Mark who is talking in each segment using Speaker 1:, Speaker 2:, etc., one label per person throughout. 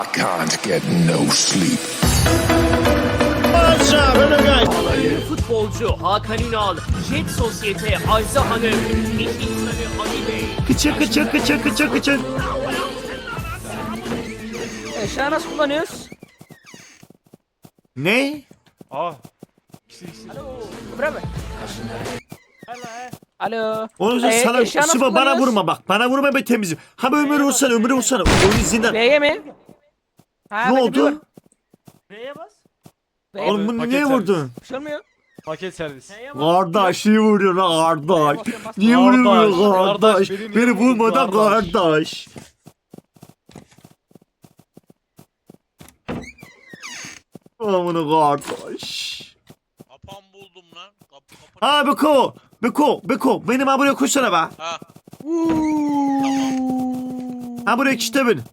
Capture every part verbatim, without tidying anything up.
Speaker 1: I can't get no sleep.
Speaker 2: Futbolcu Hakan Ünal, Jet Sosyete Ajda Hanım, iş insanı Ali Bey.
Speaker 3: Kıçı kıçı kıçı kıçı kıçı.
Speaker 4: Eşya nasıl kullanıyoruz?
Speaker 3: Ne?
Speaker 5: Aa.
Speaker 4: Bırak mı? Alo.
Speaker 3: Onu
Speaker 4: Ee,
Speaker 3: sana
Speaker 4: eşya nasıl
Speaker 3: Sıva bana
Speaker 4: kullanıyoruz?
Speaker 3: vurma bak. Bana vurma be temizim. Ha böyle ömür vursana ömür vursana. Oyun zindan.
Speaker 4: V'ye mi? Ha,
Speaker 3: Ne
Speaker 4: bende
Speaker 3: oldu?
Speaker 4: bir var.
Speaker 5: Neye bas?
Speaker 4: V'ye mi?
Speaker 3: Oğlum bunu
Speaker 5: Paket
Speaker 3: niye
Speaker 5: servis.
Speaker 3: vurdun?
Speaker 4: Bir şey olmuyor.
Speaker 5: Paket servis.
Speaker 3: Kardeş niye vuruyor lan kardeş?
Speaker 4: Basıyorum, basıyorum.
Speaker 3: Niye vuruyor
Speaker 5: Kardeş,
Speaker 3: kardeş?
Speaker 5: kardeş, beni
Speaker 3: Beni
Speaker 5: niye vurdun
Speaker 3: vurmadan
Speaker 5: kardeş?
Speaker 3: kardeş. Amına kardeş.
Speaker 6: Kapan buldum lan. Kap, kapan.
Speaker 3: Ha Beko. Beko. Beko. Benim ha buraya koşsana be.
Speaker 6: Ha.
Speaker 3: Ha buraya işte beni.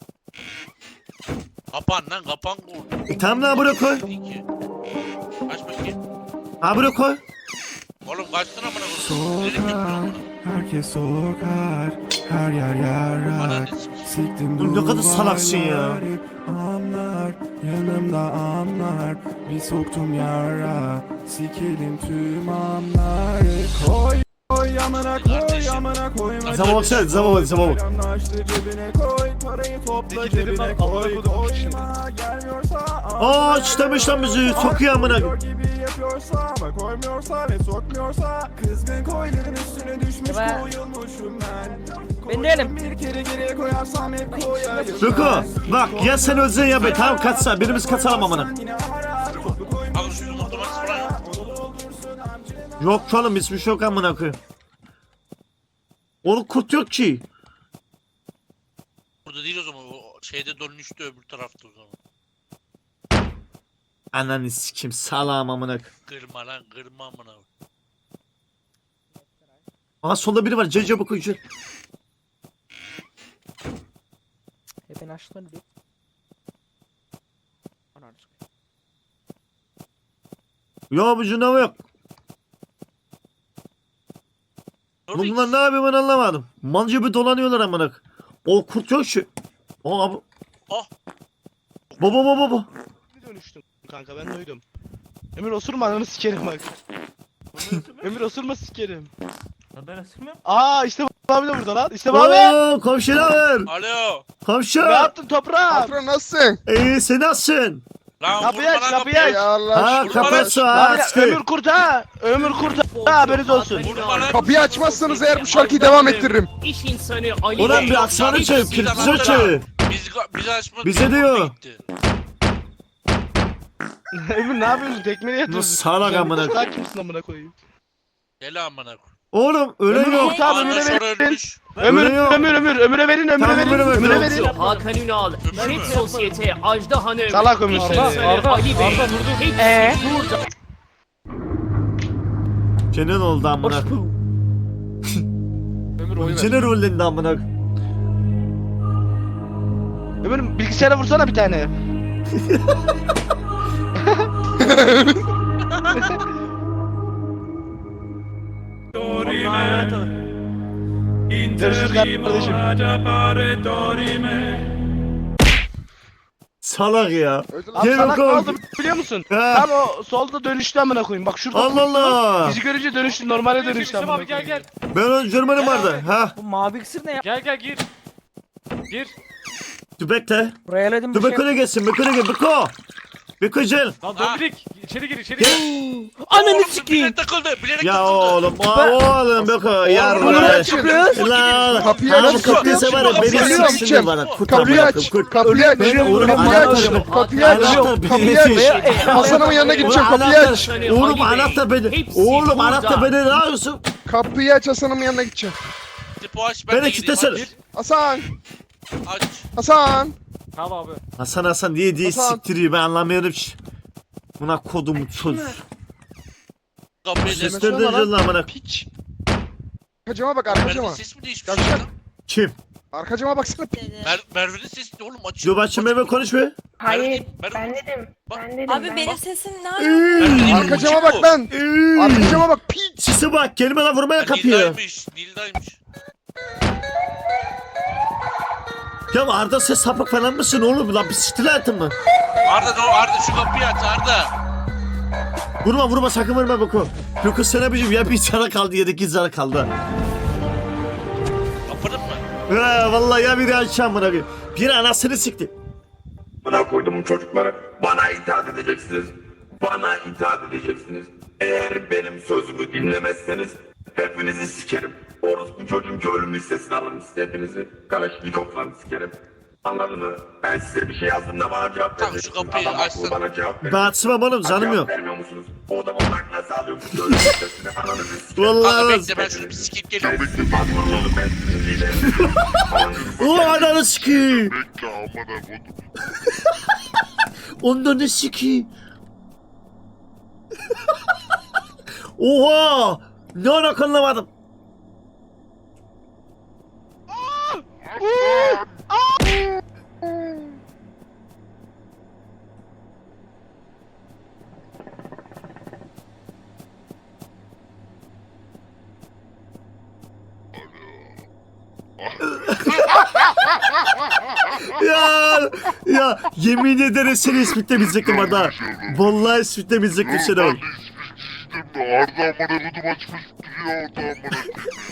Speaker 6: Kapan lan kapan koy.
Speaker 3: E, tamam lan buraya koy.
Speaker 6: İki. Kaç bakayım.
Speaker 3: Ha buraya koy.
Speaker 6: Oğlum kaç lira bana koy.
Speaker 7: Herkes sokar, her yer
Speaker 6: Bana
Speaker 7: yarar.
Speaker 6: ne sikeyim.
Speaker 7: Siktim
Speaker 3: Oğlum ne kadar salaksın ya.
Speaker 7: duvarları, anlar, yanımda anlar. Bir soktum yara, sikelim tüm anları. Koy, koy amına koy, amına koyma.
Speaker 3: Zaman baksana, zaman bak, zaman bak.
Speaker 7: Anlaştı cebine koy, parayı topla cebine koy. Koyma, gelmiyorsa
Speaker 3: Aa çıtamış lan bizi. Sokuyor amına.
Speaker 7: Koyuyor gibi yapıyorsa ama koymuyorsa ve sokmuyorsa kızgın koyların üstüne düşmüş
Speaker 4: Eba.
Speaker 7: koyulmuşum ben.
Speaker 4: Ben değilim.
Speaker 7: Bir kere geriye koyarsam hep koyarım.
Speaker 3: Beko. Bak ya sen öleceksin ya be. Tamam kaçsa. Birimiz kaçalım amına.
Speaker 6: Abi şu yumurtamak falan yok.
Speaker 3: Yok oğlum hiçbir şey yok amına koyayım. Oğlum kurt yok ki.
Speaker 6: Burada değil o zaman. O şeyde dönüştü öbür tarafta o zaman.
Speaker 3: Ananı sikim salam amına koyayım.
Speaker 6: Kırma lan kırma amına.
Speaker 3: Aa solda biri var. Cece bakıyor.
Speaker 4: E ben açtım bir. Ananı
Speaker 3: Ya bu canavar yok. Bunlar ne yapıyor ben anlamadım. Mal gibi dolanıyorlar amına koyayım. O kurt yok ki. Aa abi.
Speaker 6: Oh.
Speaker 3: Baba baba baba.
Speaker 8: Dönüştüm kanka ben duydum. Emir osurma ananı sikerim bak. Emir osurma sikerim.
Speaker 5: Ben ısırmıyorum.
Speaker 8: Aa işte bu abi de burada lan. İşte bu abi.
Speaker 3: Oo komşular.
Speaker 6: Alo.
Speaker 3: Komşu.
Speaker 8: Ne yaptın toprağım?
Speaker 9: Patron nasılsın?
Speaker 3: İyi sen nasılsın?
Speaker 6: Lan
Speaker 8: Kapıyı
Speaker 6: vurma
Speaker 8: aç,
Speaker 6: lan
Speaker 8: kapıyı
Speaker 6: kapıyı.
Speaker 8: aç.
Speaker 9: Ya Allah
Speaker 3: Ha
Speaker 9: aşkına.
Speaker 3: kapat şu
Speaker 8: Abi
Speaker 3: aç.
Speaker 8: Ömür kurt ha. Ömür kurt ha. Haberiniz olsun.
Speaker 6: Vurma lan.
Speaker 9: Kapıyı açmazsanız eğer bu şarkıyı devam ettiririm.
Speaker 2: İş insanı Ali
Speaker 3: Ulan
Speaker 2: Bey.
Speaker 3: bir aksanı çevir.
Speaker 6: Biz
Speaker 3: Kirpizi
Speaker 6: adamlar-
Speaker 3: çevir.
Speaker 6: Biz, bizi açmadı.
Speaker 3: Bize diyor.
Speaker 6: Gitti.
Speaker 8: Emir ne yapıyorsun? Tekmeli
Speaker 3: Bu
Speaker 8: yatıyorsun.
Speaker 3: salak amına.
Speaker 8: Sen kimsin amına koyayım?
Speaker 6: Gel amına koy.
Speaker 3: Oğlum öyle
Speaker 8: Ömür
Speaker 3: yok.
Speaker 8: kurt abi
Speaker 6: Ondan
Speaker 8: Ömür'e
Speaker 6: sonra
Speaker 8: verin.
Speaker 6: ölmüş.
Speaker 8: Ömür
Speaker 3: Öyle yok.
Speaker 8: Ömür Ömür Ömür'e verin Ömür'e
Speaker 3: Tamam,
Speaker 8: verin.
Speaker 3: Ömür'e verin.
Speaker 8: Ömür'e verin.
Speaker 2: Futbolcu Hakan Ünal, Jet Sosyete Ajda Hanım,
Speaker 8: Salak Ömür.
Speaker 2: iş
Speaker 8: Arda,
Speaker 2: insanı
Speaker 5: Arda,
Speaker 2: Ali Bey.
Speaker 5: Arda vurdu.
Speaker 2: Hepsi
Speaker 4: Ee?
Speaker 2: burada.
Speaker 3: Kenan oldu amına.
Speaker 5: Ömür oy ver.
Speaker 3: Kenan rollendi amına.
Speaker 8: Ömür bilgisayara vursana bir tane. Görüşürüz kardeşim.
Speaker 3: Salak ya.
Speaker 9: Öldü lan.
Speaker 8: Abi
Speaker 3: Gel
Speaker 8: salak ne
Speaker 3: bakalım.
Speaker 8: oldu biliyor musun?
Speaker 3: Ha.
Speaker 8: Tam o solda dönüştü amına koyayım. Bak şurada.
Speaker 3: Allah Allah.
Speaker 8: Bizi görünce dönüştü normale dönüştü
Speaker 5: İslam
Speaker 8: amına
Speaker 5: abi gel
Speaker 8: koyayım.
Speaker 5: gel.
Speaker 3: Ben onun Jerman'ım vardı. Ha.
Speaker 4: Bu mavi iksir ne ya?
Speaker 5: Gel gel gir. Gir.
Speaker 3: Dur bekle.
Speaker 4: Buraya eledim
Speaker 3: Dur
Speaker 4: bir şey.
Speaker 3: Beko'ya gelsin. Beko'ya gel. Beko. Beko gel.
Speaker 5: Lan
Speaker 6: Ha.
Speaker 5: Dominik içeri gir içeri gir.
Speaker 4: Ananı
Speaker 6: Oğlum,
Speaker 4: sikeyim.
Speaker 6: Bilerek takıldı. Bilerek
Speaker 3: Ya
Speaker 6: takıldı.
Speaker 3: oğlum. Aa, oğlum Beko. Ya
Speaker 9: Bunu
Speaker 3: lan.
Speaker 9: açın.
Speaker 3: Lan.
Speaker 9: Kapıyı
Speaker 3: Abi
Speaker 9: aç, kapıyı
Speaker 3: kurt
Speaker 9: aç.
Speaker 3: var ya. Beni
Speaker 9: Kapıyı
Speaker 3: siksinler
Speaker 9: aç.
Speaker 3: bana. Kurt
Speaker 9: Kapıyı
Speaker 3: amına
Speaker 9: aç.
Speaker 3: koyayım, kurt.
Speaker 9: Kapıyı aç.
Speaker 3: Ben oğlum
Speaker 9: Kapıyı aç.
Speaker 3: anahtar.
Speaker 9: Kapıyı aç.
Speaker 3: Anahtar
Speaker 9: Kapıyı
Speaker 3: beni.
Speaker 9: aç. Hasan'ımın yanına gideceğim. Kapıyı aç.
Speaker 3: Oğlum anahtar beni. Oğlum anahtar beni ne yapıyorsun?
Speaker 9: Kapıyı aç. Hasan'ımın yanına gideceğim.
Speaker 6: Tipi aç ben
Speaker 3: Beni
Speaker 6: de gideyim.
Speaker 3: kitlesene.
Speaker 6: Aç.
Speaker 9: Hasan.
Speaker 6: Aç.
Speaker 9: Hasan.
Speaker 5: Tamam abi.
Speaker 3: Hasan Hasan diye diye
Speaker 9: Hasan.
Speaker 3: siktiriyor ben anlamıyorum ki. Buna kodum çöz.
Speaker 6: Kapıyı
Speaker 9: Ses-
Speaker 6: da.
Speaker 3: Sesler de lan amına.
Speaker 9: Piç. Arka cama bak. Arka cama.
Speaker 6: Merve'nin sesi mi değişmiş?
Speaker 9: Yavşak.
Speaker 6: lan?
Speaker 3: Kim?
Speaker 9: Arka cama baksana.
Speaker 6: Mer Merve'nin sesi de oğlum açıyor.
Speaker 3: Dur başım eve konuş be.
Speaker 10: Hayır,
Speaker 6: Merve-
Speaker 10: ben dedim.
Speaker 6: Bak.
Speaker 10: Ben dedim.
Speaker 11: Abi
Speaker 10: ben-
Speaker 11: benim sesim ne alaka?
Speaker 3: Iıı.
Speaker 9: Arka cama bak lan. Arka cama bak. Piç.
Speaker 3: Sisi bak kelimeler vurmaya kapıyor.
Speaker 6: Nildaymış. Nildaymış.
Speaker 3: Ya Arda sen sapık falan mısın oğlum lan bir stilatın mı?
Speaker 6: Arda dur Arda şu kapıyı aç Arda.
Speaker 3: Vurma vurma sakın vurma Beko. Beko sen abicim ya bir zara kaldı ya da iki zara kaldı.
Speaker 6: Kapadın mı?
Speaker 3: Ha vallahi ya biri açacağım buna bir. Bir anasını sikti.
Speaker 1: Bana koydum çocuklara. Bana itaat edeceksiniz. Bana itaat edeceksiniz. Eğer benim sözümü dinlemezseniz hepinizi sikerim. Orospu çocuğum ki ölüm listesine alın hepinizi. Kalaşnikov'la sikerim. Anladın mı? Ben size bir şey yazdığımda bana cevap
Speaker 6: Tamam,
Speaker 3: verin.
Speaker 6: şu kapıyı
Speaker 3: Adam
Speaker 6: açsın.
Speaker 3: akıllı bana cevap verin. Ben açmam oğlum canım
Speaker 1: Cevap
Speaker 3: yok.
Speaker 1: vermiyor musunuz? O adam olarak nasıl alıyorsunuz? Ölüm listesine ananızı sikerim.
Speaker 3: Vallahi
Speaker 6: Kanka
Speaker 3: nasıl?
Speaker 6: bekle ben şunu bir sikip geliyorum.
Speaker 1: Ben sizin patronunuzum, ben sizin liderinirim.
Speaker 3: O ananı sikeyim.
Speaker 1: Bekle amına kodum.
Speaker 3: Ondan ne sikeyim? Oha! Ne alaka anlamadım. ya ya yemin ederim seni ispitlemeyecektim Arda. Vallahi ispitlemeyecektim seni oğlum.
Speaker 1: Arda amına kodum açmış duruyor orada amına kodum.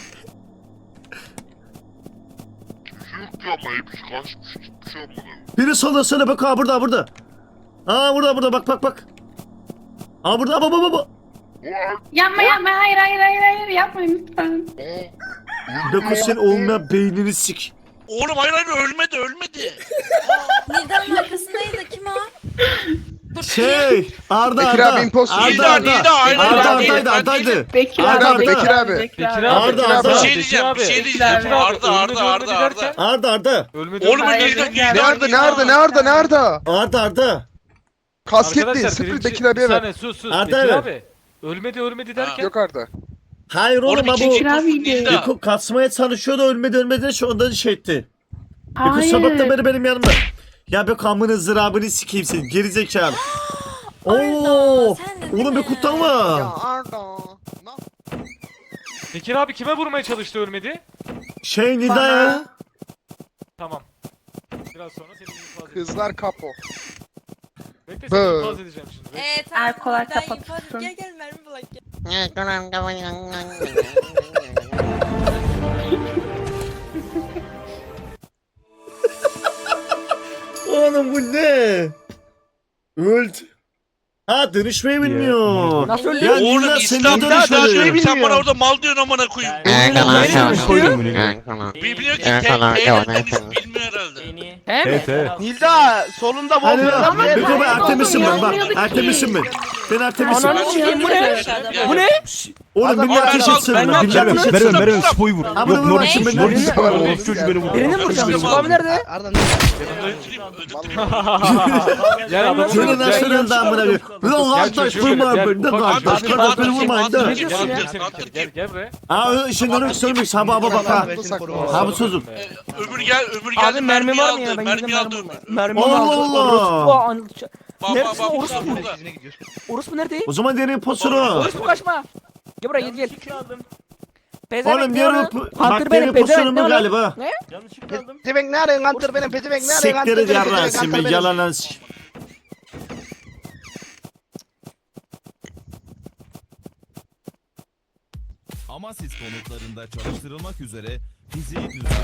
Speaker 1: Yok ya ama hepsi kaçmış gitmiş amına kodum.
Speaker 3: Biri solda söyle bak ha burada burada. Aa burada burada bak bak bak. Aa burada baba baba.
Speaker 10: Yapma yapma hayır hayır hayır hayır yapmayın lütfen.
Speaker 3: Beko sen olmayan beynini sik.
Speaker 6: Oğlum hayır hayır ölmedi ölmedi.
Speaker 10: Nida'nın arkasındaydı kim o?
Speaker 3: Şey Arda
Speaker 9: Bekir
Speaker 3: Arda.
Speaker 9: abi imposter.
Speaker 3: Arda
Speaker 6: Nida,
Speaker 3: Arda.
Speaker 6: Nida, aynen,
Speaker 3: Arda
Speaker 6: ben
Speaker 3: Arda'ydı
Speaker 6: değilim, ben
Speaker 3: Arda'ydı.
Speaker 6: değilim.
Speaker 10: Bekir
Speaker 3: Arda,
Speaker 10: abi.
Speaker 9: Bekir abi.
Speaker 5: Bekir abi.
Speaker 3: Arda,
Speaker 5: Bekir
Speaker 3: Arda.
Speaker 6: Bir
Speaker 5: abi.
Speaker 6: şey diyeceğim bir
Speaker 5: Bekir
Speaker 6: şey
Speaker 5: abi.
Speaker 6: diyeceğim.
Speaker 5: Bekir abi,
Speaker 6: Arda Arda
Speaker 5: ölmedi,
Speaker 6: Arda
Speaker 5: ölmedi
Speaker 6: Arda.
Speaker 5: derken-
Speaker 3: Arda Arda.
Speaker 5: Ölmedi.
Speaker 6: Oğlum
Speaker 5: ölmedi.
Speaker 6: Nida Nida.
Speaker 9: Nerede nerede nerede nerede?
Speaker 3: Arda Arda.
Speaker 9: Kasketli.
Speaker 5: Arkadaşlar,
Speaker 9: Sıfır
Speaker 5: birinci-
Speaker 9: Bekir abiye
Speaker 5: Bir
Speaker 9: ver.
Speaker 5: saniye sus sus.
Speaker 3: Arda
Speaker 5: Bekir
Speaker 3: ver.
Speaker 5: abi. Ölmedi ölmedi derken.
Speaker 9: Yok Arda.
Speaker 3: Hayır oğlum
Speaker 6: Oğlum
Speaker 3: ha bu.
Speaker 6: ikinci
Speaker 10: Bekir abi
Speaker 6: Nida.
Speaker 10: de.
Speaker 3: Beko kasmaya çalışıyordu ölmedi ölmedi şu ondan şey etti. Beko
Speaker 10: Hayır.
Speaker 3: sabahtan beri benim yanımda. Ya Beko amını zırabını sikeyim senin gerizekalı. Oo, oğlum bir kutlama.
Speaker 9: Arda.
Speaker 5: Bekir abi kime vurmaya çalıştı ölmedi?
Speaker 3: Şey Nida ya.
Speaker 5: Tamam. Biraz sonra seni infaz edeceğim.
Speaker 9: Kızlar kapo.
Speaker 5: Bekle
Speaker 9: Bö.
Speaker 5: seni infaz edeceğim şimdi. Bekle.
Speaker 10: Evet Erkolar kapat.
Speaker 11: Gel gel mermi bulak gel.
Speaker 3: Oğlum bu ne? Öldü. Ha dönüşmeyi bilmiyor.
Speaker 4: Nasıl öldü?
Speaker 3: Ya
Speaker 6: Oğlum
Speaker 3: Nida sen
Speaker 6: İslam
Speaker 3: ne
Speaker 6: daha
Speaker 3: dönüşmedin?
Speaker 6: sen bana orada mal diyorsun amına koyayım. Bilmiyor ki tek T'den bilmiyor herhalde.
Speaker 2: Beni.
Speaker 4: He mi?
Speaker 8: Nilda solunda
Speaker 3: Hadi
Speaker 8: Wolf
Speaker 3: lan.
Speaker 8: yazan
Speaker 3: Beko ben Artemis'im ben bak.
Speaker 10: Bilmiyorduk ki.
Speaker 3: Artemis'im ben. Ben Artemis'im.
Speaker 4: Ananı sikeyim bu ne? Bu ne?
Speaker 3: Oğlum
Speaker 8: Adam-
Speaker 3: billah
Speaker 6: Ben-
Speaker 3: ateş
Speaker 6: ben-
Speaker 3: etsene.
Speaker 4: ben-
Speaker 3: Billah
Speaker 4: ben-
Speaker 3: ateş
Speaker 6: ben-
Speaker 3: etsene.
Speaker 6: ben- ben-
Speaker 5: spoyu vur.
Speaker 3: Ha bunu vurursun ben.
Speaker 9: Norris var.
Speaker 4: Birini mi vuracağım?
Speaker 6: Öldüreyim
Speaker 4: Abi nerede?
Speaker 8: Arda
Speaker 6: Öldüreyim, öldüreyim.
Speaker 5: Gel adamı
Speaker 3: Şöyle
Speaker 5: vur.
Speaker 3: nasıl
Speaker 5: Gel.
Speaker 3: öldü amına koyayım. Lan kardeş
Speaker 5: çocuğum,
Speaker 3: vurma
Speaker 5: gel,
Speaker 3: beni.
Speaker 5: ufak
Speaker 3: Kardeş
Speaker 6: çocuk.
Speaker 3: kardeş beni
Speaker 6: Abi,
Speaker 3: vurmayın
Speaker 6: abi,
Speaker 3: da.
Speaker 6: abi,
Speaker 5: Gel
Speaker 6: Gel,
Speaker 5: gel
Speaker 6: gel,
Speaker 5: seni
Speaker 6: gel.
Speaker 5: gel gel buraya.
Speaker 3: Ha şimdi onu söylemek sabah bak ha. Ha bu sözüm.
Speaker 6: Ömür gel ömür gel.
Speaker 4: Abi mermi var mı ya?
Speaker 6: aldı,
Speaker 4: Ben
Speaker 6: Mermi
Speaker 4: gidip
Speaker 6: aldı
Speaker 4: mermi
Speaker 6: ömür.
Speaker 4: Mermi
Speaker 3: Allah
Speaker 4: aldı.
Speaker 3: Allah.
Speaker 4: Orospu an-
Speaker 6: Bak
Speaker 4: Neredesin
Speaker 6: bak bak
Speaker 4: orospu?
Speaker 6: burada burada.
Speaker 4: Orospu nerede?
Speaker 3: O zaman derin posunu.
Speaker 4: Orospu kaçma. Gel buraya gel gel.
Speaker 2: Yanlışlıkla aldım.
Speaker 4: Pezevenk
Speaker 3: Oğlum
Speaker 4: ne
Speaker 3: diğer
Speaker 4: oğlum?
Speaker 3: bak
Speaker 4: Hunter
Speaker 3: derin
Speaker 4: benim
Speaker 3: posunu
Speaker 4: pezevenk ne
Speaker 3: mu
Speaker 4: oğlum?
Speaker 3: galiba?
Speaker 4: Ne?
Speaker 2: Yanlışlıkla aldım.
Speaker 8: Pezevenk ne arıyorsun Hunter benim pezevenk ne arıyorsun Hunter
Speaker 3: Siktir
Speaker 8: benim
Speaker 3: yarran
Speaker 8: pezevenk
Speaker 3: sen
Speaker 8: Hunter
Speaker 3: bir
Speaker 8: benim.
Speaker 3: yalan lan sik.
Speaker 7: Amasis konutlarında çalıştırılmak üzere fiziği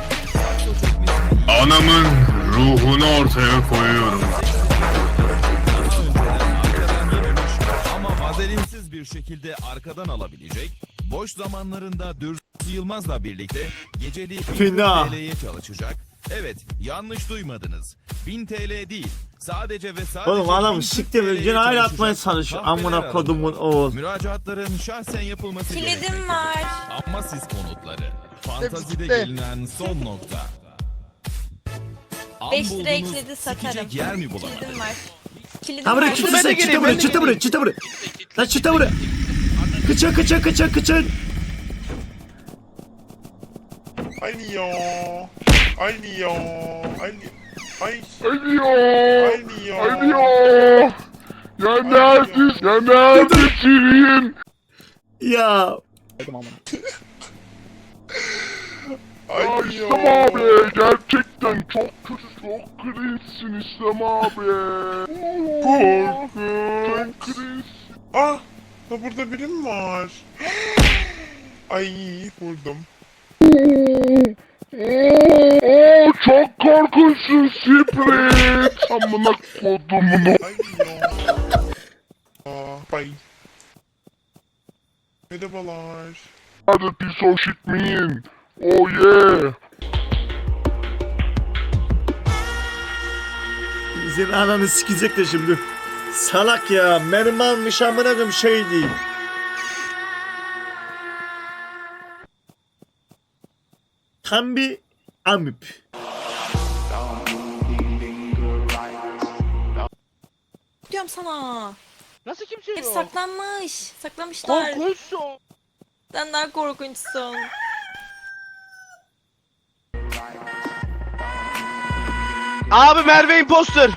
Speaker 1: Anamın ruhunu ortaya koyuyorum.
Speaker 7: ama vazelinsiz bir şekilde arkadan alabilecek, boş zamanlarında Dürsü Yılmaz'la birlikte geceliği
Speaker 3: Fena.
Speaker 7: bin T L'ye çalışacak. Evet, yanlış duymadınız. bin T L değil, sadece ve sadece
Speaker 3: Oğlum adam
Speaker 7: bin Türk
Speaker 3: siktir
Speaker 7: T L'ye
Speaker 3: gene hala
Speaker 7: çalışacak
Speaker 3: atmaya çalışıyor.
Speaker 7: kahveler
Speaker 3: Amına kodumun
Speaker 7: arasında.
Speaker 3: oğul.
Speaker 7: Müracaatların şahsen yapılması
Speaker 11: Kilidim
Speaker 7: gerekmektedir.
Speaker 11: var.
Speaker 7: Ama siz konutları. Fantazide
Speaker 9: bitti.
Speaker 7: gelinen son nokta. An
Speaker 11: beş lira
Speaker 7: buldunuz,
Speaker 11: ekledi satarım.
Speaker 7: sikecek yer mi bulamadınız?
Speaker 11: Kilidim var. Kilidim
Speaker 3: Ha buraya
Speaker 11: var.
Speaker 3: çıtı sen çıtı buraya çıtı buraya çıtı buraya. Lan çıtı buraya. Kıçın kıçın kıçın kıçın.
Speaker 1: Aynı ya. Aynı ya. Aynı. Aynı.
Speaker 9: Aynı ya.
Speaker 1: Aynı ya.
Speaker 9: Aynı ya. Ya neredesin? Ya neredesin?
Speaker 3: Ya
Speaker 9: Ya İslam abi gerçekten çok kötü, çok cringe'sin İslam abi. Korkunç. Çok cringe.
Speaker 7: Ah, da burada biri mi var? Ay, vurdum.
Speaker 9: Oo çok korkunçsun Sprit. Amına kodumunu.
Speaker 7: Ay ya. Aa, bay. Merhabalar.
Speaker 9: Hadi piece of shit mean. Oh yeah.
Speaker 3: Senin ananı sikecek de şimdi. Salak ya. Benim almış amına koyayım şey değil. Tam bir amip.
Speaker 11: Diyorum sana.
Speaker 8: Nasıl kimse
Speaker 11: Hep
Speaker 8: yok?
Speaker 11: saklanmış. Saklamışlar.
Speaker 8: Korkunçsun.
Speaker 11: Sen daha korkunçsun.
Speaker 8: Abi Merve imposter.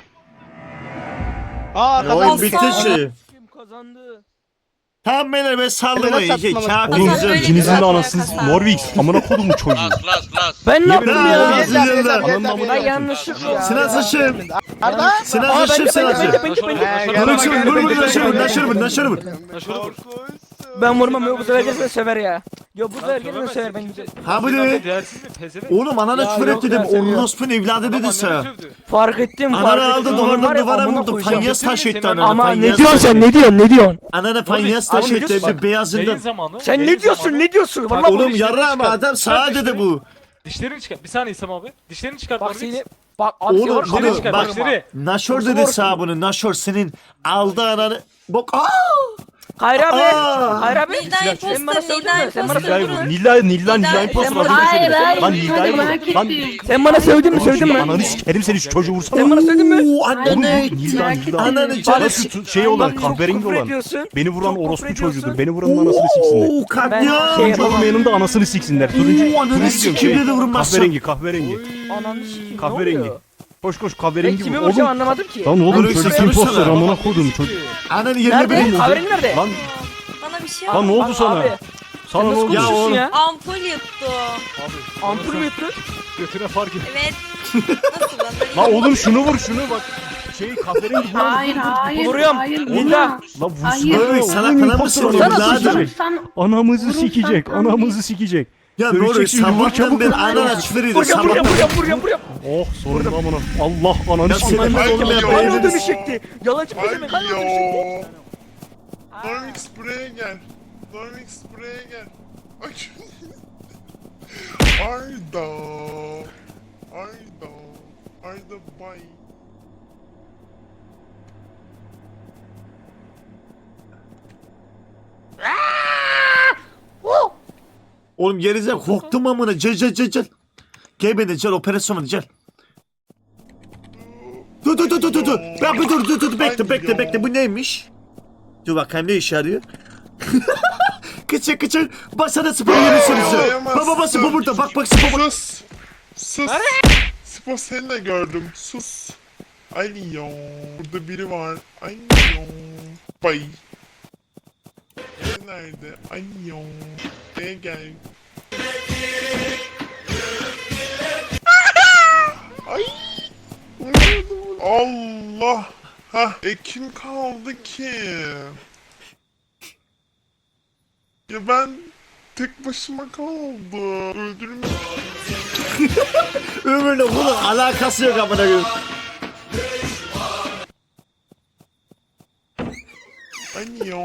Speaker 8: Aa
Speaker 3: Ya oyun
Speaker 8: kazandı.
Speaker 3: bitti şey.
Speaker 4: Kim kazandı?
Speaker 3: Tamam beyler ben sallamayın.
Speaker 8: Neden
Speaker 3: Şey,
Speaker 8: saklamamak?
Speaker 3: kafir
Speaker 11: Oğlum,
Speaker 3: güzel.
Speaker 11: böyle
Speaker 3: İkinizin
Speaker 11: güzel
Speaker 3: de
Speaker 11: anasını
Speaker 3: Morvix.
Speaker 8: Amına kodumu çocuğu.
Speaker 6: Las las las.
Speaker 4: Ben ne yaptım
Speaker 3: Yemin
Speaker 4: ya?
Speaker 3: ederim.
Speaker 8: Yeter yeter
Speaker 3: Ananın
Speaker 8: yeter
Speaker 3: amına
Speaker 8: yeter.
Speaker 4: Ben yanlışlıkla ya.
Speaker 3: Sinan Saşım.
Speaker 8: Arda.
Speaker 3: Sinan
Speaker 4: Aa, ben
Speaker 3: Saşım
Speaker 4: de, ben de,
Speaker 3: Sinan
Speaker 4: ben de,
Speaker 3: Saşım.
Speaker 4: ben de, ben de.
Speaker 8: He,
Speaker 3: Vur
Speaker 8: gel,
Speaker 3: vur
Speaker 8: gel,
Speaker 3: vur
Speaker 8: gel,
Speaker 3: naşır vur
Speaker 8: gel,
Speaker 3: naşır vur naşır vur.
Speaker 5: Şurada vur.
Speaker 4: Ben vurmam yok bu sefer herkes beni sever ya. Yo bu sefer herkes beni sever ben güzel.
Speaker 3: Ha bu ne?
Speaker 5: Değersiz mi? Pezevenk.
Speaker 3: Oğlum anana
Speaker 4: Ya
Speaker 3: küfür
Speaker 4: yok
Speaker 3: etti
Speaker 4: ya,
Speaker 3: dedim.
Speaker 4: seviyor.
Speaker 3: Orospunun evladı dedi sana.
Speaker 4: Fark ettim fark
Speaker 3: Ananı
Speaker 4: ettim.
Speaker 3: aldı
Speaker 4: Onun var
Speaker 3: duvardan
Speaker 4: ya,
Speaker 3: duvara
Speaker 4: amına
Speaker 3: vurdu.
Speaker 4: koyacağım.
Speaker 3: Fanyas taş etti ananı.
Speaker 4: Ama ne
Speaker 3: fanyas
Speaker 4: diyorsun
Speaker 3: taş
Speaker 4: sen
Speaker 3: etti.
Speaker 4: ne diyorsun ne diyorsun?
Speaker 3: Ananı fanyas
Speaker 4: Oğlum,
Speaker 3: taş
Speaker 4: ne
Speaker 3: etti.
Speaker 4: diyorsun?
Speaker 3: Bir beyazından.
Speaker 5: Yayın zamanı.
Speaker 4: Sen
Speaker 5: yayın
Speaker 4: ne diyorsun
Speaker 5: zamanı.
Speaker 4: ne diyorsun?
Speaker 5: Bak
Speaker 4: Vallahi
Speaker 3: Oğlum
Speaker 5: dişlerini
Speaker 3: yarrağım
Speaker 5: çıkar.
Speaker 3: adam sağa
Speaker 5: Çıkar
Speaker 3: dedi bu.
Speaker 5: Dişlerini çıkar. Bir saniye İslam abi. Dişlerini çıkar.
Speaker 4: bak
Speaker 5: Morvix.
Speaker 4: seni bak at
Speaker 3: Oğlum
Speaker 4: var,
Speaker 3: bunu
Speaker 5: çıkar,
Speaker 3: bak
Speaker 5: dişleri.
Speaker 3: Naşor
Speaker 4: Orası
Speaker 3: dedi
Speaker 4: orası.
Speaker 3: sağ bunu. Naşor senin aldı ananı. Bak aaa.
Speaker 4: Hayır abi.
Speaker 3: Aa!
Speaker 4: Hayır abi.
Speaker 11: Nilda
Speaker 4: Sen bana
Speaker 11: imposter,
Speaker 4: sövdün
Speaker 11: Nilda
Speaker 4: mü? Sen bana
Speaker 11: imposter.
Speaker 4: sövdün mü?
Speaker 8: Nilla Nilla Nilla
Speaker 11: Nida
Speaker 8: imposter
Speaker 11: imposter.
Speaker 8: az önce
Speaker 10: Hayır
Speaker 8: söyledim.
Speaker 10: hayır.
Speaker 8: Lan
Speaker 10: Hadi
Speaker 8: Nilla'yı
Speaker 10: merak
Speaker 8: vur. Lan
Speaker 10: ettim.
Speaker 4: Sen bana sövdün mü sövdün mü?
Speaker 8: ananı sikerim seni şu çocuğu vursana.
Speaker 4: Sen bana sövdün mü?
Speaker 3: Oo
Speaker 10: Hayır,
Speaker 3: anne.
Speaker 10: hayır,
Speaker 8: Nilla
Speaker 10: merak
Speaker 8: Nilla.
Speaker 3: Ananı
Speaker 10: ettim.
Speaker 3: canı
Speaker 8: Bana şu şey olan
Speaker 4: Çok
Speaker 8: kahverengi
Speaker 4: küfür
Speaker 8: olan.
Speaker 4: ediyorsun.
Speaker 8: Beni vuran
Speaker 4: Çok
Speaker 8: orospu
Speaker 4: küfür ediyorsun.
Speaker 8: çocuğudur. Beni vuranın anasını siksinler.
Speaker 3: Oo
Speaker 4: Ben
Speaker 3: katliam.
Speaker 4: şey
Speaker 8: Turuncu olmayanın da anasını siksinler. Turuncu,
Speaker 3: Oo, ananı
Speaker 8: turuncu diyorum
Speaker 3: sikeyim
Speaker 8: şey.
Speaker 3: dedi vurmazsan.
Speaker 8: Kahverengi kahverengi.
Speaker 4: Ananı sikeyim ne
Speaker 8: Kahverengi.
Speaker 4: oluyor?
Speaker 8: Koş koş
Speaker 4: Ben
Speaker 8: kahverengi
Speaker 4: kimi
Speaker 8: vur.
Speaker 4: vuracağım
Speaker 8: Oğlum.
Speaker 4: anlamadım ki.
Speaker 8: Lan oğlum
Speaker 3: Öyle
Speaker 8: çocuk
Speaker 3: sen
Speaker 8: imposter
Speaker 3: sorsana.
Speaker 8: amına kodum çocuk.
Speaker 3: Ananın yerine
Speaker 4: Nerede?
Speaker 3: benim oldu.
Speaker 4: Kahverengi nerede?
Speaker 8: Lan
Speaker 11: Bana bir şey
Speaker 8: lan ne
Speaker 11: oldu.
Speaker 8: oldu sana?
Speaker 4: Abi,
Speaker 8: Sana
Speaker 4: sen
Speaker 8: ne
Speaker 4: nasıl
Speaker 8: oldu?
Speaker 3: Ya
Speaker 4: konuşuyorsun
Speaker 3: oğlum.
Speaker 4: ya?
Speaker 11: Ampul yuttu.
Speaker 5: Abi.
Speaker 4: Ampul mü yuttu?
Speaker 5: Götüne fark et.
Speaker 11: Evet. Nasıl lan? Böyle
Speaker 8: Lan oğlum şunu vur şunu bak. Şey kahverengi vur.
Speaker 10: Hayır hayır.
Speaker 4: Vuruyorum.
Speaker 10: Hayır.
Speaker 4: Nida.
Speaker 8: Lan
Speaker 10: Hayır.
Speaker 8: vursana.
Speaker 3: Böyle salak
Speaker 8: Oğlum
Speaker 3: falan
Speaker 8: imposter
Speaker 3: mısın
Speaker 8: anamızı
Speaker 3: oğlum?
Speaker 8: sikecek.
Speaker 3: Lanet.
Speaker 10: Sen
Speaker 8: Anamızı
Speaker 10: Vurursan
Speaker 8: sikecek.
Speaker 10: tam
Speaker 8: Anamızı sikecek.
Speaker 3: Ya ne
Speaker 8: Dövecek
Speaker 3: oluyor?
Speaker 8: şimdi, vur
Speaker 3: Sabahtan
Speaker 8: çabuk.
Speaker 3: beri anana küfür ediyor.
Speaker 4: Vuruyorum vuruyorum
Speaker 3: Sabahtan.
Speaker 4: vuruyorum vuruyorum vuruyorum.
Speaker 8: Oh sorun amına. Allah ananı
Speaker 3: Ya
Speaker 8: sikecek.
Speaker 3: senin
Speaker 7: Ay,
Speaker 3: olmayan
Speaker 7: ya.
Speaker 4: Hala
Speaker 3: beyniniz.
Speaker 4: dönüşecekti. Yalancı pezevenk hala dönüşecekti.
Speaker 7: Ay Normix buraya gel. Normix buraya gel. Ay. Arda. Arda. Arda bay.
Speaker 3: Oğlum gerize korktum amına. Gel gel gel gel. Gel beni gel operasyona gel. Dur dur dur dur dur dur. Ya bir dur dur dur bekle bekle bekle bu neymiş? Dur bakayım ne işe yarıyor? Kıçır kıçır basana spor yeri sürüsü. Baba baba spor burada bak bak spor burada.
Speaker 7: Sus. Sus. Spor seni de gördüm. Sus. Ay yo. Burada biri var. Ay yo. Bay. Nerede? Ay yo. Buraya gel. Ay. Allah. Ha, e kim kaldı ki? Ya ben tek başıma kaldım. Öldürme.
Speaker 3: Ömürle bunun alakası yok amına koyayım.
Speaker 7: Ay yo.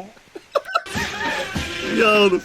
Speaker 3: Ya oğlum.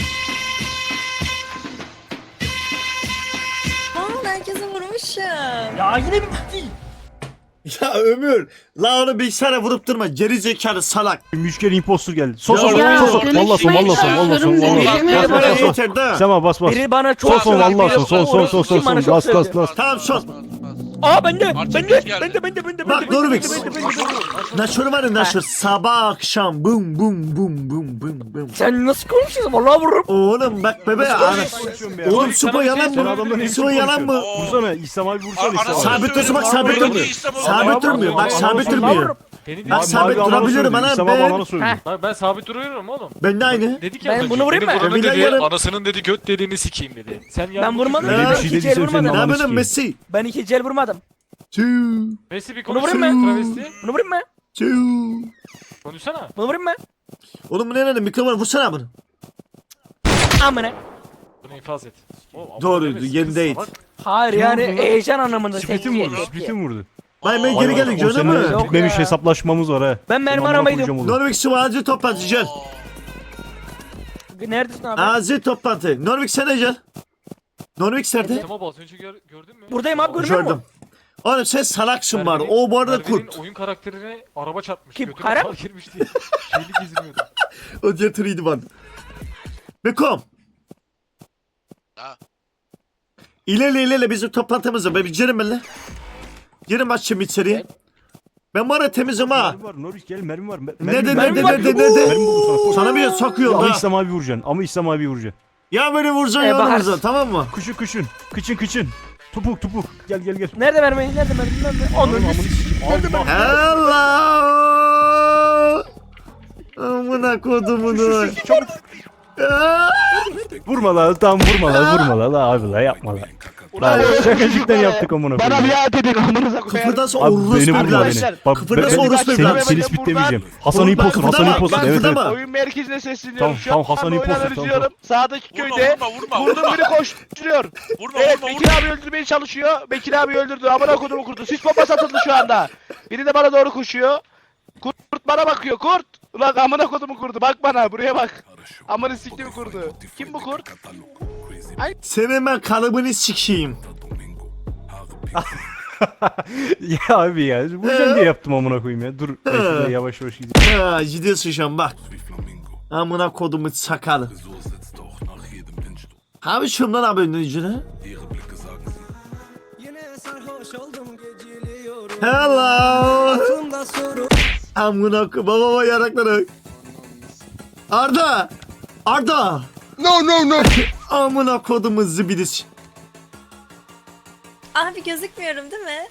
Speaker 11: Aa, herkese vurmuşum.
Speaker 4: Ya yine bir bitti.
Speaker 3: Ya Ömür. La onu bilgisayara vurup durma. Geri zekalı salak.
Speaker 8: Üç kere imposter geldi. Sos sos
Speaker 3: Ya,
Speaker 8: sos sos.
Speaker 10: dönüşmeyi
Speaker 8: Valla son valla son valla son
Speaker 10: çalışıyorum,
Speaker 8: valla.
Speaker 10: dönüşmeyi
Speaker 8: Bas bas
Speaker 3: Bana
Speaker 8: bas bas.
Speaker 3: yeter de.
Speaker 8: Sema bas bas.
Speaker 4: Biri bana çok
Speaker 8: Son son
Speaker 4: söyledi,
Speaker 8: valla
Speaker 4: biri
Speaker 8: son son son
Speaker 4: orası
Speaker 8: son son
Speaker 4: kim bana
Speaker 8: son.
Speaker 4: çok
Speaker 8: Bas bas
Speaker 4: söyledi.
Speaker 8: bas.
Speaker 3: Tamam son.
Speaker 4: Aa bende.
Speaker 6: Artık
Speaker 4: Bende.
Speaker 6: geç geldi.
Speaker 4: Bende bende bende
Speaker 3: Bak
Speaker 4: bende.
Speaker 3: Normix.
Speaker 4: bende, bende, bende, bende.
Speaker 3: Naşör var ya naşör. Sabah akşam bum bum bum bum bum bum.
Speaker 4: Sen nasıl konuşuyorsun? Vallahi vururum.
Speaker 3: Oğlum bak bebe ana. Oğlum Supo yalan
Speaker 8: Sen adamla
Speaker 3: mı?
Speaker 8: ne
Speaker 3: Supo yalan mı?
Speaker 8: Vursana İslam abi vursana İslam abi.
Speaker 3: Sabit dursun bak sabit durmuyor. Sabit durmuyor bak sabit durmuyor.
Speaker 5: Beni
Speaker 3: Ben
Speaker 5: dinle.
Speaker 3: sabit durabilirim ana ben.
Speaker 4: Heh.
Speaker 5: Bak ben sabit duruyorum oğlum.
Speaker 3: Ben de aynı.
Speaker 5: Dedik ya.
Speaker 4: Ben
Speaker 5: az önce,
Speaker 4: bunu vurayım
Speaker 5: beni
Speaker 4: mı?
Speaker 5: vuranın
Speaker 3: Ben
Speaker 5: dedi,
Speaker 3: yarım-
Speaker 5: anasının dedi göt deliğini sikeyim dedi. Sen yani
Speaker 4: Ben vurmadım.
Speaker 3: Öyle
Speaker 4: Ben
Speaker 3: bir
Speaker 4: iki
Speaker 3: şey
Speaker 4: el vurmadım.
Speaker 3: Ne yapıyorsun Messi?
Speaker 4: Ben iki el vurmadım.
Speaker 3: Tüü.
Speaker 5: Messi bir
Speaker 4: Bunu
Speaker 5: konuş.
Speaker 4: vurayım mı?
Speaker 5: Travesti.
Speaker 4: Bunu vurayım mı?
Speaker 3: Tüü.
Speaker 5: Konuşsana.
Speaker 4: Bunu vurayım mı?
Speaker 3: Oğlum bu ne lan? Mikrofonu vursana bunu.
Speaker 4: Amına.
Speaker 5: Bunu infaz et. Oğlum, ama
Speaker 3: Doğruydu,
Speaker 5: demez,
Speaker 3: yerindeydi.
Speaker 5: kız salak.
Speaker 4: Hayır yani heyecan anlamında.
Speaker 12: Split'i mi vurdu? Split'i mi vurdu?
Speaker 3: Bay ben geri geldik
Speaker 12: O
Speaker 3: gördün mü?
Speaker 12: senin
Speaker 4: Yok
Speaker 12: bitmemiş
Speaker 4: ya.
Speaker 12: hesaplaşmamız var ha.
Speaker 4: Ben mermi
Speaker 12: Amına
Speaker 4: aramaydım.
Speaker 12: koyacağım oğlum.
Speaker 3: Norvik Sıvı toplantı gel.
Speaker 4: Neredesin abi?
Speaker 3: Acil toplantı. Norvik sen de gel. Norvik nerede?
Speaker 5: Tamam az önce gör, gördün mü?
Speaker 4: Buradayım abi, görmüyor musun?
Speaker 3: Gördüm. Oğlum sen salaksın var.
Speaker 5: Merve'nin-
Speaker 3: O bu arada
Speaker 5: Merve'nin
Speaker 3: kurt.
Speaker 5: oyun karakterine araba çarpmış.
Speaker 4: Kim,
Speaker 5: Götüne
Speaker 4: Kara?
Speaker 5: kar girmiş diye. Şeyli geziniyordu.
Speaker 3: O diğer türüydü bana. Bekom.
Speaker 6: Ha.
Speaker 3: İlerle ilerle bizim toplantımız var. Ben bir girelim benimle. Girin başlayayım içeriye. Ben bu arada temizim ha.
Speaker 12: Mermi var Norris gel mermi var. Mer-
Speaker 3: Nerede
Speaker 12: mermi-
Speaker 3: nerede
Speaker 4: var.
Speaker 3: nerede nerede?
Speaker 12: Mermi buldu sana.
Speaker 3: Sana bir sokuyor
Speaker 12: Ama
Speaker 3: ha.
Speaker 12: İslam abi vuracaksın. Ama İslam abi vuracaksın.
Speaker 3: Ya beni vuracaksın
Speaker 4: E,
Speaker 3: ya onu
Speaker 4: bakarsın.
Speaker 3: vuracaksın tamam mı?
Speaker 12: Kuşun kuşun. Kıçın kıçın. Tupuk tupuk. Gel gel gel.
Speaker 4: Nerede mermi? Nerede mermi? Nerede? Onu
Speaker 12: Amını sikeyim. Nerede mermi?
Speaker 3: Allah! Amına kodumunu.
Speaker 12: Çabuk.
Speaker 3: Aa!
Speaker 12: Vurma la tam vurma la vurma la la abi la yapma la. La şakacıktan yaptık amına
Speaker 8: Bana
Speaker 12: koyayım.
Speaker 8: biat edin amınıza koyayım.
Speaker 3: Kıpırdası
Speaker 12: Abi
Speaker 3: orospu
Speaker 12: beni vurma
Speaker 3: evladı.
Speaker 12: beni. Bak
Speaker 3: Kıpırdası
Speaker 12: ben-
Speaker 3: orospu
Speaker 12: seni,
Speaker 3: evladı.
Speaker 12: seni spitlemeyeceğim. Hasan
Speaker 3: Oğlum,
Speaker 12: İmposter,
Speaker 3: ben
Speaker 12: Hasan
Speaker 3: kıpırdama,
Speaker 12: İmposter.
Speaker 3: ben
Speaker 12: Evet evet.
Speaker 3: kıpırdama.
Speaker 8: Oyun merkezine sesleniyorum.
Speaker 12: Tamam,
Speaker 8: Şu
Speaker 12: tamam,
Speaker 8: an
Speaker 12: Hasan
Speaker 8: oyunu
Speaker 12: İmposter, tamam,
Speaker 8: analiziyorum. Sağdaki
Speaker 6: Vurma,
Speaker 8: köyde
Speaker 6: vurma, vurma,
Speaker 8: vurdum
Speaker 6: vurma.
Speaker 8: biri koşturuyor.
Speaker 6: Vurma
Speaker 8: Evet
Speaker 6: vurma
Speaker 8: Bekir
Speaker 6: vurma.
Speaker 8: abi öldürmeye çalışıyor. Bekir abi öldürdü. Amına kodumu kurdu. Sis bombası atıldı şu anda. Biri de bana doğru koşuyor. Kurt bana bakıyor. Kurt. Ulan amına kodumu kurdu. Bak bana buraya bak. Amına siktiğimi kurdu. Kim bu kurt?
Speaker 3: Senin ben kalıbını sikeyim.
Speaker 12: Ya abi ya. Vuracağım diye yaptım amına koyayım ya. Dur. Ben şuraya yavaş yavaş gideyim.
Speaker 3: Ha gidiyorsun şu an bak. Amına kodumu sakalı. Abi şundan abi önüne. Hello. Amına ko baba baba yarakları. Arda. Arda.
Speaker 7: No no no.
Speaker 3: Amına kodumu zibidis.
Speaker 11: Abi gözükmüyorum değil mi?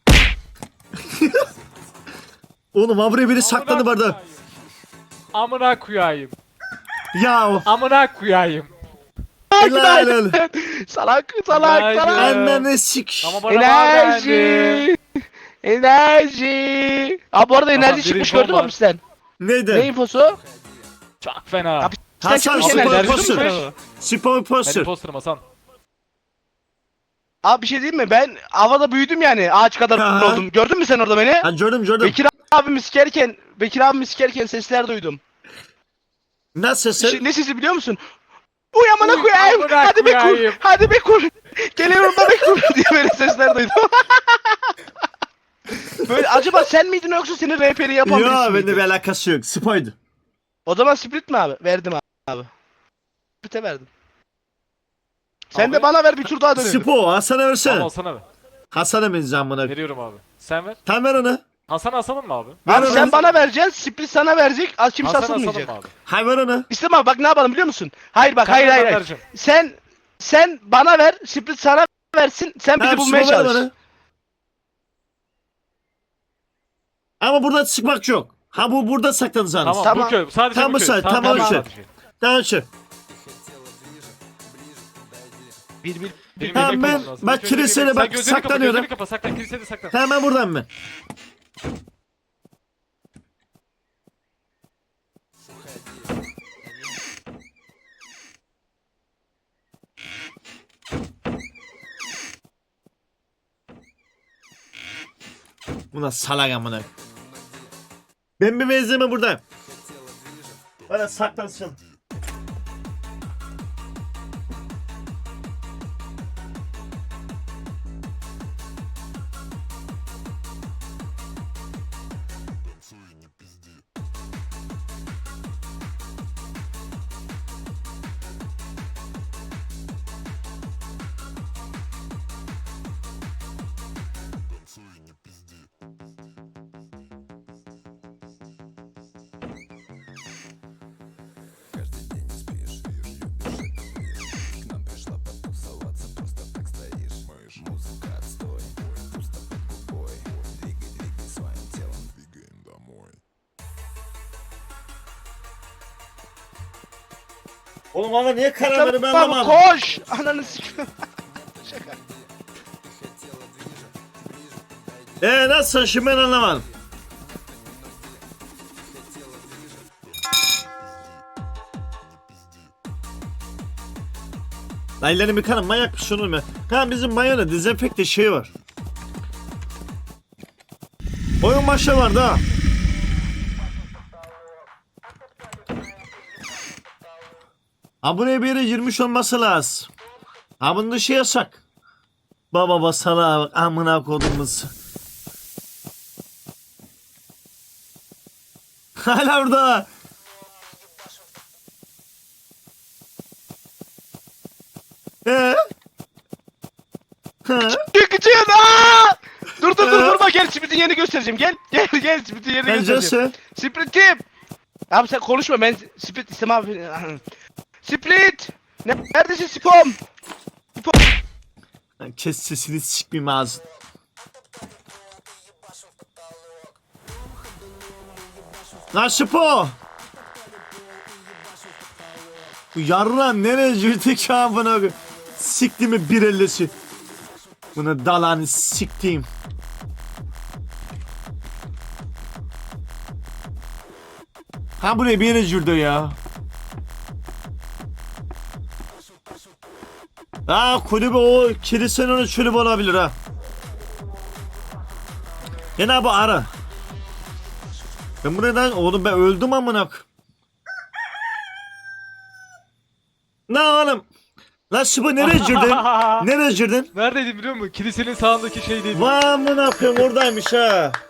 Speaker 3: Oğlum abi buraya biri saklandı barda.
Speaker 5: Amına koyayım.
Speaker 3: Ya.
Speaker 5: Amına koyayım.
Speaker 3: Helal helal.
Speaker 8: Salak salak
Speaker 5: Günaydın.
Speaker 8: salak.
Speaker 3: Annene sik.
Speaker 5: Ama bana enerji.
Speaker 8: Enerji. Enerji. Abi bu arada
Speaker 5: Tamam,
Speaker 8: enerji
Speaker 5: bir
Speaker 8: çıkmış
Speaker 5: infom
Speaker 8: gördün mü
Speaker 5: var.
Speaker 8: abi sen? Ne
Speaker 3: Neydi?
Speaker 8: infosu?
Speaker 5: Çok fena.
Speaker 8: Abi, Sen
Speaker 3: Hasan
Speaker 8: çıkmış
Speaker 3: spor
Speaker 8: enerji.
Speaker 3: poster.
Speaker 8: duydun mu?
Speaker 3: Spor
Speaker 5: Ben
Speaker 3: poster.
Speaker 5: imposterım Hasan.
Speaker 8: Abi bir şey diyeyim mi? Ben havada büyüdüm yani. Ağaç kadar
Speaker 3: Aha.
Speaker 8: oldum. Gördün mü sen orada beni?
Speaker 3: Ha gördüm gördüm.
Speaker 8: Bekir abimi sikerken, Bekir abimi sikerken sesler duydum.
Speaker 3: Nasılsın?
Speaker 8: Şey, ne sesi biliyor musun? Uy amına
Speaker 5: Uy,
Speaker 8: koyayım.
Speaker 5: amına
Speaker 8: Hadi be kur.
Speaker 5: koyayım.
Speaker 8: Hadi be kur. Geliyorum da be kur diye böyle sesler duydum. Böyle acaba sen miydin yoksa senin rehberi yapan birisi
Speaker 3: Yok
Speaker 8: miydi?
Speaker 3: bende bir alakası yok. Spoydu.
Speaker 8: O zaman split mi abi? Verdim abi. Split'e verdim. Sen
Speaker 5: Abi.
Speaker 8: de bana ver bir tur daha dönelim.
Speaker 3: Spo Hasan'a
Speaker 5: Tamam
Speaker 3: versene.
Speaker 5: Hasan'a ver.
Speaker 3: Hasan'a benziyor bana.
Speaker 5: Veriyorum abi. Sen ver.
Speaker 3: Tam ver onu.
Speaker 5: Hasan asalım mı abi?
Speaker 3: Ver
Speaker 8: Abi
Speaker 3: onu.
Speaker 8: sen bana vereceksin, split sana verecek, az kimse
Speaker 5: Hasan asalım
Speaker 8: asılmayacak.
Speaker 5: mı abi?
Speaker 3: Hay ver onu.
Speaker 8: İstem abi bak ne yapalım biliyor musun? Hayır bak
Speaker 5: Sen
Speaker 8: hayır
Speaker 5: ver,
Speaker 8: hayır.
Speaker 5: ben
Speaker 8: hayır.
Speaker 5: vereceğim.
Speaker 8: Sen sen bana ver, split sana versin, sen bizi
Speaker 3: Tamam,
Speaker 8: bulmaya
Speaker 3: Spo ver
Speaker 8: çalış.
Speaker 3: bana. Ama burada çıkmak yok. Ha bu burada saklanacağınız.
Speaker 5: Tamam,
Speaker 8: Tamam.
Speaker 5: bu köy. Sadece
Speaker 3: Tamam,
Speaker 5: bu köy.
Speaker 3: sen- tamam,
Speaker 5: tamam.
Speaker 3: şey. Tamam şu.
Speaker 8: Bir bir
Speaker 5: Benim
Speaker 3: Tamam,
Speaker 5: yemek
Speaker 3: ben-
Speaker 5: bulmam lazım.
Speaker 3: bak
Speaker 5: İlk önce
Speaker 3: kilisede
Speaker 5: yemek-
Speaker 3: bak,
Speaker 5: Sen gözlerini kapa,
Speaker 3: saklanıyorum.
Speaker 5: gözlerini kapa, saklan, kilisede saklan.
Speaker 3: Hemen buradan mı? Buna salak amına. Ben bir benzeme burada. Bana saklansın. Oğlum ama niye karar verip ben
Speaker 8: Tamam
Speaker 3: anlamadım.
Speaker 8: koş. Ananı sikiyorum. Şaka.
Speaker 3: Eee nasıl şimdi ben anlamadım. Lan ellerini yıkanın manyak bir şey olur mu? Ha bizim banyonda dezenfekte şey var. Oyun başı var da. Ha buraya bir yere girmiş olması lazım. Ha bunda şey yasak. Baba basala bak amına kodumuz. Hala orada. Ee? Ha?
Speaker 8: Çıkacağım. Aa! Dur dur dur durma gel Sprint'in yerini göstereceğim. Gel gel gel Sprint'in yerini göstereceğim.
Speaker 3: Pencesi.
Speaker 8: Sprint kim? Abi sen konuşma ben Sprint istemem abi. Sprint! Ne- Neredesin Spom?
Speaker 3: Lan kes sesini sikmeyeyim ağzını. Lan Şıpo! Bu yarram nereye girdi ki amına koyayım? Sikti mi bir ellisi? Bunu dalanı siktiğim. Ha buraya bir yere girdi ya. Ha kulübü o kilisenin onun kulübü olabilir ha. Yine bu ara. Ben buradan oğlum ben öldüm amına. Ne oğlum? Lan Şıbo nereye girdin? Nereye girdin?
Speaker 5: Neredeydi biliyor musun? Kilisenin sağındaki şeydeydi.
Speaker 3: Vay amına koyayım oradaymış ha.